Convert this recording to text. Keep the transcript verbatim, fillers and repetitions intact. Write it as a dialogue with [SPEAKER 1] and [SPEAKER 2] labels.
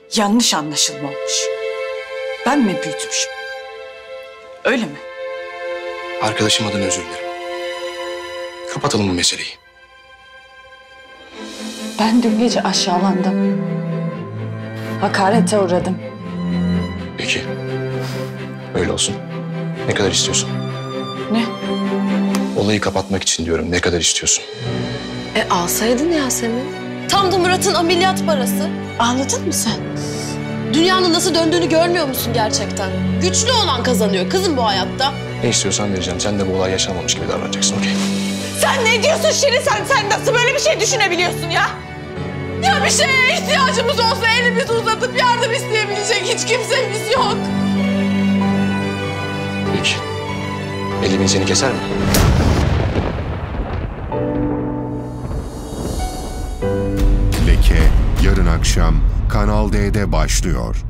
[SPEAKER 1] yanlış anlaşılma olmuş. Ben mi büyütmüşüm? Öyle mi?
[SPEAKER 2] Arkadaşım adına özür dilerim. Kapatalım bu meseleyi.
[SPEAKER 1] Ben dün gece aşağılandım. Hakarete uğradım.
[SPEAKER 2] Peki. Öyle olsun. Ne kadar istiyorsun?
[SPEAKER 1] Ne?
[SPEAKER 2] Olayı kapatmak için diyorum. Ne kadar istiyorsun?
[SPEAKER 3] E alsaydın Yasemin. Tam da Murat'ın ameliyat parası.
[SPEAKER 1] Ağladın mı sen?
[SPEAKER 3] Dünyanın nasıl döndüğünü görmüyor musun gerçekten? Güçlü olan kazanıyor kızım bu hayatta.
[SPEAKER 2] Ne istiyorsan vereceğim. Sen de bu olay yaşanmamış gibi davranacaksın, okey?
[SPEAKER 1] Sen ne diyorsun Şirin? Sen, sen nasıl böyle bir şey düşünebiliyorsun ya?
[SPEAKER 3] Ya bir şeye ihtiyacımız olsa elimizi uzatıp yardım isteyebilecek hiç kimsemiz yok.
[SPEAKER 2] Peki. Elimin seni keser mi?
[SPEAKER 4] Leke yarın akşam Kanal D'de başlıyor.